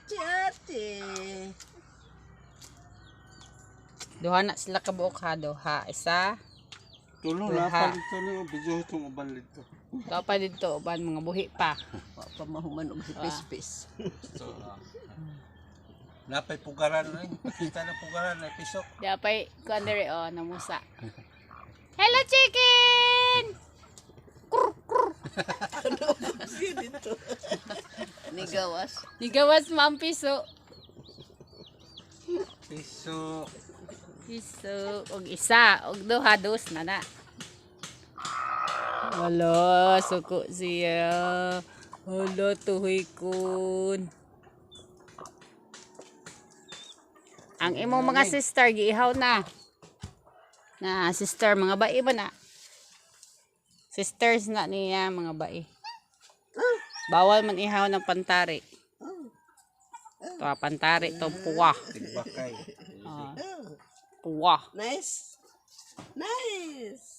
ate. Duha na sila kabuok ha, duha. Isa. Tulong Duha. lapan dito niyo, video itong uban dito. Ito pa dito, uban mga buhi pa. Wa pa mahuman og si Pispis. So, napay pugaran eh. Pakita na pugaran na pisok. Dapay, kuan dere oh, namusa. Hello chicken! Dito. Nigawas. Nigawas mo ang piso. Pisok. Piso, og isa, og duha, dos na na. Wala, suko siya. Wala, tuhoy kun. Ang imong mga sister, giihaw na. Na, sister, mga bai ba na? Sisters na niya, mga bai. Bawal man ihaw ng pantari. Ito, pantari, ito, puwa. Tigbakay. Puwa. Nice. Nice.